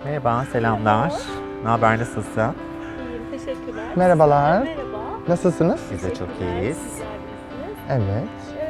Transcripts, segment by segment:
Merhaba, selamlar. Ne haber, nasılsın? İyiyim, teşekkürler. Merhabalar. Merhaba. Nasılsınız? Biz de çok Teşekkürler, iyiyiz. sizler de iyisiniz. Evet.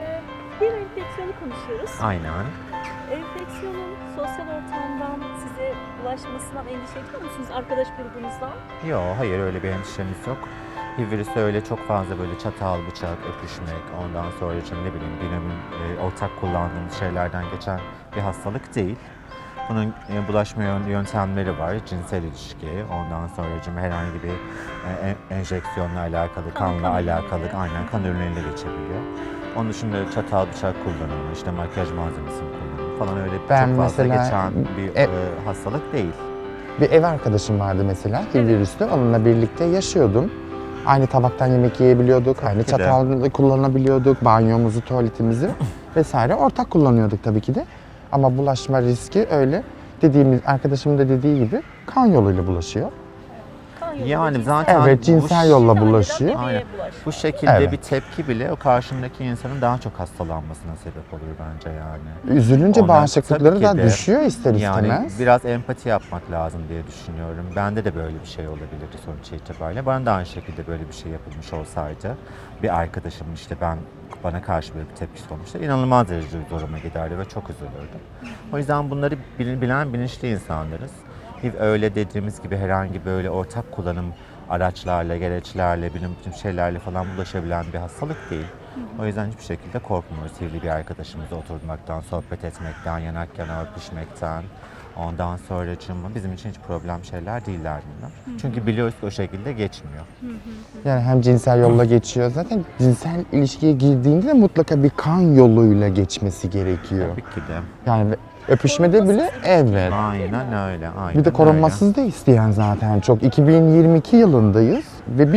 Bir enfeksiyonu konuşuyoruz. Aynen. Enfeksiyonun sosyal ortamdan size bulaşmasından endişe ediyor musunuz arkadaş grubunuzdan? Yok, hayır öyle bir endişemiz yok. HIV virüsü öyle çok fazla böyle çatal, bıçak, öpüşmek, ondan sonra ne bileyim günümün ortak kullandığımız şeylerden geçen bir hastalık değil. Bunun bulaşma yöntemleri var. Cinsel ilişki, ondan sonra herhangi bir enjeksiyonla alakalı, kanla kan alakalı, ürünleri. aynen kan ürünleriyle geçebiliyor. Onun dışında çatal, bıçak kullanımı, işte makyaj malzemesini kullanımı falan öyle Ben çok fazla mesela geçen bir hastalık değil. Bir ev arkadaşım vardı mesela, HIV virüslü. Onunla birlikte yaşıyordum. Aynı tabaktan yemek yiyebiliyorduk, Tabii aynı ki de. çatal kullanabiliyorduk, banyomuzu, tuvaletimizi vesaire ortak kullanıyorduk tabii ki de. Ama bulaşma riski öyle arkadaşımın da dediği gibi kan yoluyla bulaşıyor. Kan yolu Yani ve zaten Evet, cinsel yolla anneden bulaşıyor. bebeğe Aynen. bulaşıyor. Bu şekilde Evet. bir tepki bile o karşındaki insanın daha çok hastalanmasına sebep olur bence yani. Üzülünce Ondan bağışıklıkları tabii da ki de düşüyor ister Yani istemez. biraz empati yapmak lazım diye düşünüyorum. Bende de böyle bir şey olabilirdi sonuç itibariyle. Bana da aynı şekilde böyle bir şey yapılmış olsaydı bir arkadaşım işte bana karşı böyle bir tepkisi olmuştu. İnanılmaz derecede zoruma giderdi ve çok üzülürdüm. O yüzden bunları bilen bilinçli insanlarız. HIV öyle dediğimiz gibi herhangi böyle ortak kullanım araçlarla, gereçlerle, bütün şeylerle falan bulaşabilen bir hastalık değil. O yüzden hiçbir şekilde korkmuyoruz HIV'li bir arkadaşımızla oturmaktan, sohbet etmekten, yanak yana öpüşmekten. Ondan sonracığıma bizim için hiç problem şeyler değiller bunlar. Çünkü biliyoruz ki o şekilde geçmiyor. Yani hem cinsel yolla geçiyor. Zaten cinsel ilişkiye girdiğinde de mutlaka bir kan yoluyla geçmesi gerekiyor. Tabii ki de. Yani öpüşmede bile evet. Aynen öyle. Aynen Bir de korunmasız da isteyen zaten çok. 2022 yılındayız ve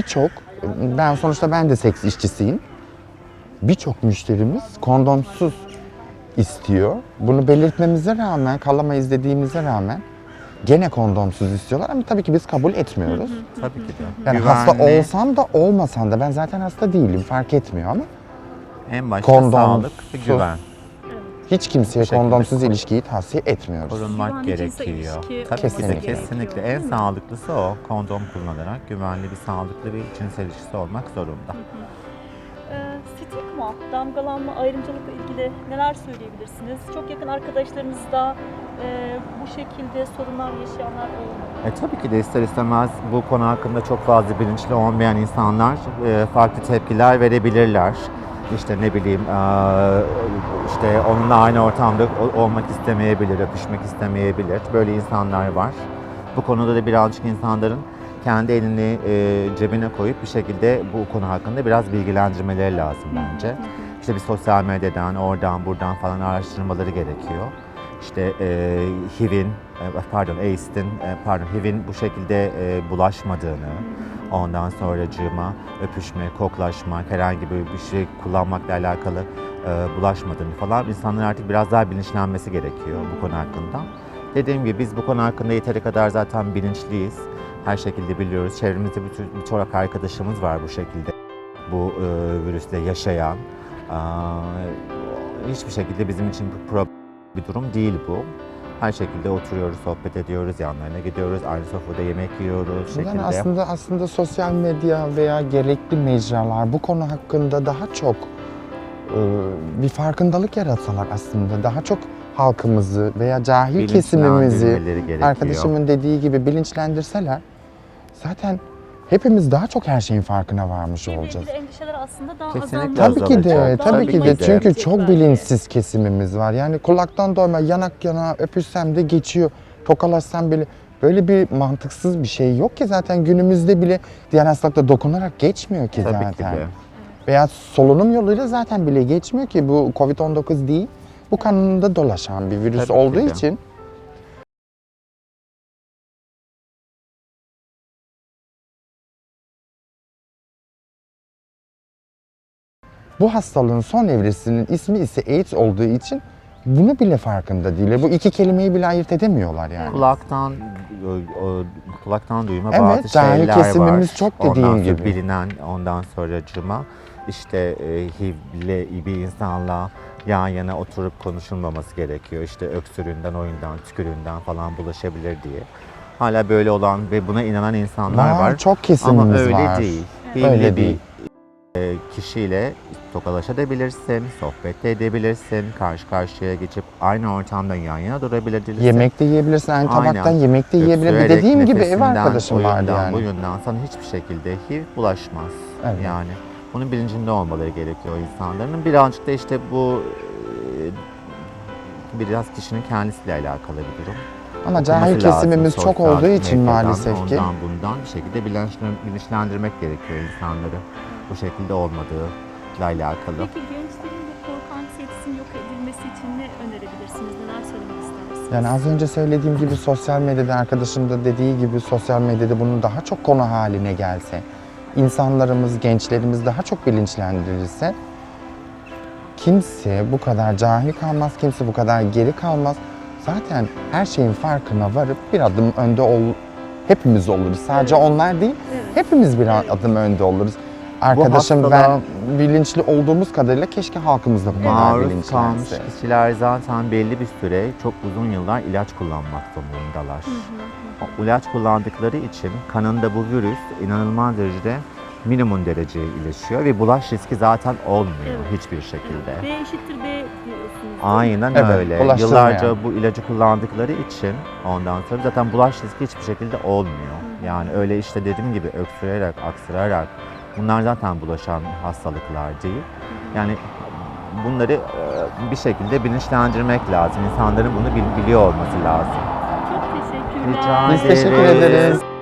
sonuçta ben de seks işçisiyim. Birçok müşterimiz kondomsuz istiyor. Bunu belirtmemize rağmen, kalamayız dediğimize rağmen gene kondomsuz istiyorlar ama tabii ki biz kabul etmiyoruz. Tabii ki de. Yani hasta olsam da olmasam da ben zaten hasta değilim fark etmiyor ama en başta Kondom, sağlık ve su. güven. hiç kimseye Bu şekilde kondomsuz ilişkiyi tavsiye etmiyoruz. Korunmak Güvenli cinsel gerekiyor. ilişki Tabii ki de olması kesinlikle. gerekiyor, En değil mi? sağlıklısı o. Kondom kullanarak güvenli bir sağlıklı bir cinsel ilişkisi olmak zorunda. Stigma, damgalanma, ayrımcılıkla ilgili neler söyleyebilirsiniz? Çok yakın arkadaşlarınız da bu şekilde sorunlar yaşayanlar oldu. Tabii ki de ister istemez bu konu hakkında çok fazla bilinçli olmayan insanlar farklı tepkiler verebilirler. İşte ne bileyim işte onunla aynı ortamda olmak istemeyebilir, öpüşmek istemeyebilir. Böyle insanlar var. Bu konuda da birazcık insanların kendi elini cebine koyup bir şekilde bu konu hakkında biraz bilgilendirmeleri lazım bence. İşte bir sosyal medyadan, oradan, buradan falan araştırmaları gerekiyor. İşte HIV'in bu şekilde bulaşmadığını, ondan sonracığıma öpüşme, koklaşmak, herhangi bir şey kullanmakla alakalı bulaşmadığını falan insanların artık biraz daha bilinçlenmesi gerekiyor bu konu hakkında. Dediğim gibi biz bu konu hakkında yeteri kadar zaten bilinçliyiz. Her şekilde biliyoruz. Çevremizde birçok arkadaşımız var bu şekilde. Bu virüsle yaşayan. Hiçbir şekilde bizim için bir durum değil bu. Her şekilde oturuyoruz, sohbet ediyoruz, yanlarına gidiyoruz, aynı sofrada yemek yiyoruz şekilde. Yani aslında sosyal medya veya gerekli mecralar bu konu hakkında daha çok bir farkındalık yaratsalar aslında daha çok halkımızı veya cahil kesimimizi Bilinçlendirmeleri gerekiyor. arkadaşımın dediği gibi bilinçlendirseler zaten hepimiz daha çok her şeyin farkına varmış HIV'le olacağız. ilgili endişeler aslında daha Kesinlikle azalmış. Tabii ki de, azalacak. tabii ki de. Çünkü çok belki. bilinçsiz kesimimiz var. Yani kulaktan doyma, yanak yana öpüşsem de geçiyor, tokalaşsam bile böyle bir mantıksız bir şey yok ki zaten günümüzde bile diğer hastalıkla dokunarak geçmiyor ki Tabii zaten. ki de. Veya solunum yoluyla zaten bile geçmiyor ki bu Covid-19 değil. Bu kanında dolaşan bir virüs Tabii ki olduğu de. için bu hastalığın son evresinin ismi ise AIDS olduğu için bunu bile farkında değil. Bu iki kelimeyi bile ayırt edemiyorlar yani. Kulaktan duyma Evet, bazı cahil şeyler kesimimiz var. çok dediğin ondan sonra gibi. bilinen, ondan sonracığıma işte HIV'li bir insanla yan yana oturup konuşulmaması gerekiyor. İşte öksürüğünden, oyundan, tükürüğünden falan bulaşabilir diye. Hala böyle olan ve buna inanan insanlar var. Çok Ama kesimimiz öyle var. değil. Öyle Belli değil. bir tokalaşabilirsin, tokalaşabilirsin, sohbet de edebilirsin, karşı karşıya geçip aynı ortamda yan yana durabilirsin. Yemek de yiyebilirsin, aynı tabaktan Aynen. yemek de yiyebilirsin. Öksürerek, Dediğim gibi ev nefesinden, arkadaşım vardı oyundan, yani. boyundan sana hiçbir şekilde HIV bulaşmaz. Evet. Yani bunun bilincinde olmaları gerekiyor insanların. Birazcık da işte bu biraz kişinin kendisiyle alakalı bir durum. Ama cahil Okuması lazım kesimimiz çok sosyal olduğu için medyadan, maalesef ki. ondan bundan bir şekilde bilinçlendirmek gerekiyor insanları. Bu şekilde olmadığıyla alakalı. Peki gençlerin bu korku anksiyetesinin yok edilmesi için ne önerebilirsiniz? Neler söylemek istersiniz? Yani az önce söylediğim gibi sosyal medyada, arkadaşım da dediği gibi sosyal medyada bunun daha çok konu haline gelse, insanlarımız, gençlerimiz daha çok bilinçlendirilse, kimse bu kadar cahil kalmaz, kimse bu kadar geri kalmaz. Zaten her şeyin farkına varıp bir adım önde hepimiz oluruz. Sadece Evet. onlar değil, Evet. hepimiz bir Evet. adım önde oluruz. Arkadaşım hastalığa ben bilinçli olduğumuz kadarıyla keşke halkımız da bu kadar maruz kalmış bilinçlense. kişiler zaten belli bir süre çok uzun yıllar ilaç kullanmak zorundalar. O ilaç kullandıkları için kanında bu virüs inanılmaz derecede minimum dereceye iyileşiyor ve bulaş riski zaten olmuyor Evet. hiçbir şekilde. B eşittir B diyorsunuz. Aynen Evet, öyle. bulaştırmayan. Yıllarca bu ilacı kullandıkları için ondan sonra zaten bulaş riski hiçbir şekilde olmuyor. Yani öyle işte dediğim gibi öksürerek, aksırarak bunlar zaten bulaşan hastalıklar değil. Yani bunları bir şekilde bilinçlendirmek lazım. İnsanların bunu biliyor olması lazım. Çok teşekkürler. Rica Biz teşekkür ederiz. ederiz.